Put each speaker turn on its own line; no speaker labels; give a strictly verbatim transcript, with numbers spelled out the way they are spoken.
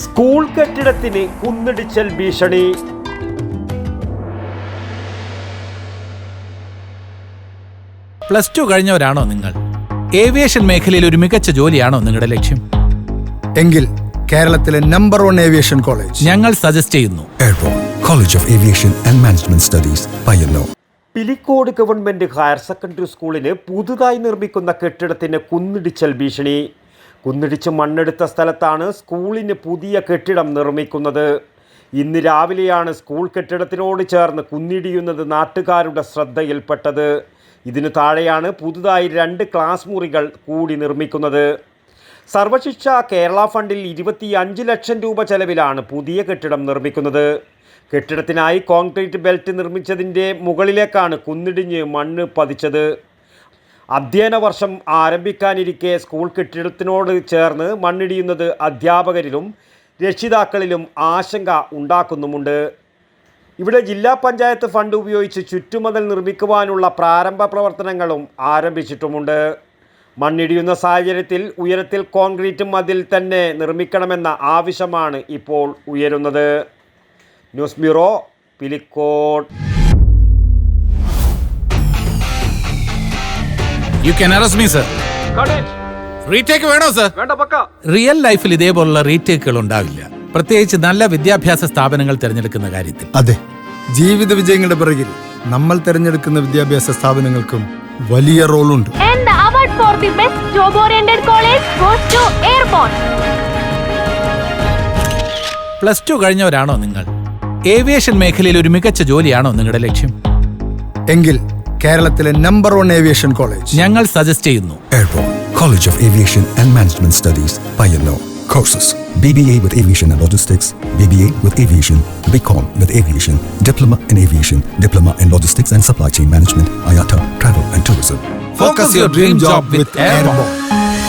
School കെട്ടിടത്തിന് കുന്നിടിച്ചൽ ഭീഷണി.
Plus two കഴിഞ്ഞവരാണോ നിങ്ങൾ? ഏവിയേഷൻ മേഖലയിൽ ഒരു മികച്ച ജോലിയാണോ നിങ്ങളുടെ ലക്ഷ്യം?
എങ്കിൽ കേരളത്തിലെ നമ്പർ വൺ ഏവിയേഷൻ കോളേജ്
ഞങ്ങൾ സജസ്റ്റ് ചെയ്യുന്നു.
Airport college of aviation and management studies, Payyanur.
Pilicode government higher secondary സ്കൂളിന് പുതുതായി നിർമ്മിക്കുന്ന കെട്ടിടത്തിന് കുന്നിടിച്ചൽ ഭീഷണി. കുന്നിടിച്ച് മണ്ണെടുത്ത സ്ഥലത്താണ് സ്കൂളിന് പുതിയ കെട്ടിടം നിർമ്മിക്കുന്നത്. ഇന്ന് രാവിലെയാണ് സ്കൂൾ കെട്ടിടത്തിനോട് ചേർന്ന് കുന്നിടിയുന്നത് നാട്ടുകാരുടെ ശ്രദ്ധയിൽപ്പെട്ടത്. ഇതിനു താഴെയാണ് പുതുതായി രണ്ട് ക്ലാസ് മുറികൾ കൂടി നിർമ്മിക്കുന്നത്. സർവശിക്ഷ കേരള ഫണ്ടിൽ ഇരുപത്തി അഞ്ച് ലക്ഷം രൂപ ചെലവിലാണ് പുതിയ കെട്ടിടം നിർമ്മിക്കുന്നത്. കെട്ടിടത്തിനായി കോൺക്രീറ്റ് ബെൽറ്റ് നിർമ്മിച്ചതിൻ്റെ മുകളിലേക്കാണ് കുന്നിടിഞ്ഞ് മണ്ണ് പതിച്ചത്. അധ്യയന വർഷം ആരംഭിക്കാനിരിക്കെ സ്കൂൾ കെട്ടിടത്തിനോട് ചേർന്ന് മണ്ണിടിയുന്നത് അധ്യാപകരിലും രക്ഷിതാക്കളിലും ആശങ്ക ഉണ്ടാക്കുന്നുമുണ്ട്. ഇവിടെ ജില്ലാ പഞ്ചായത്ത് ഫണ്ട് ഉപയോഗിച്ച് ചുറ്റുമതിൽ നിർമ്മിക്കുവാനുള്ള പ്രാരംഭ പ്രവർത്തനങ്ങളും ആരംഭിച്ചിട്ടുമുണ്ട്. മണ്ണിടിയുന്ന സാഹചര്യത്തിൽ ഉയരത്തിൽ കോൺക്രീറ്റ് മതിൽ തന്നെ നിർമ്മിക്കണമെന്ന ആവശ്യമാണ് ഇപ്പോൾ ഉയരുന്നത്. News bureau, Pilicode.
You can arrest me, sir. Retake വേണോ സർ? റിയൽ ലൈഫിൽ ഇതേപോലുള്ള റീടേക്കുകൾ ഉണ്ടാവില്ല, പ്രത്യേകിച്ച് നല്ല വിദ്യാഭ്യാസ സ്ഥാപനങ്ങൾ തിരഞ്ഞെടുക്കുന്ന കാര്യത്തിൽ.
അതെ, ജീവിത വിജയങ്ങളുടെ പിറകിൽ നമ്മൾ തിരഞ്ഞെടുക്കുന്ന വിദ്യാഭ്യാസ സ്ഥാപനങ്ങൾക്കും വലിയ റോളുണ്ട്.
And the award for the best job oriented college goes to Airborne.
Plus two കഴിഞ്ഞവരാണോ നിങ്ങൾ? ഏവിയേഷൻ മേഖലയിൽ ഒരു മികച്ച ജോലിയാണോ നിങ്ങളുടെ ലക്ഷ്യം?
എങ്കിൽ കേരളത്തിലെ നമ്പർ വൺ ഏവിയേഷൻ കോളേജ്
ഞങ്ങൾ സജസ്റ്റ് ചെയ്യുന്നു.
Airport college of aviation and management studies, Payyanur. Courses: B B A with Aviation and Logistics, B B A with Aviation, B Com with Aviation, Diploma in Aviation, Diploma in Logistics and Supply Chain Management, I A T A, Travel and Tourism.
Focus your dream job with Airborne.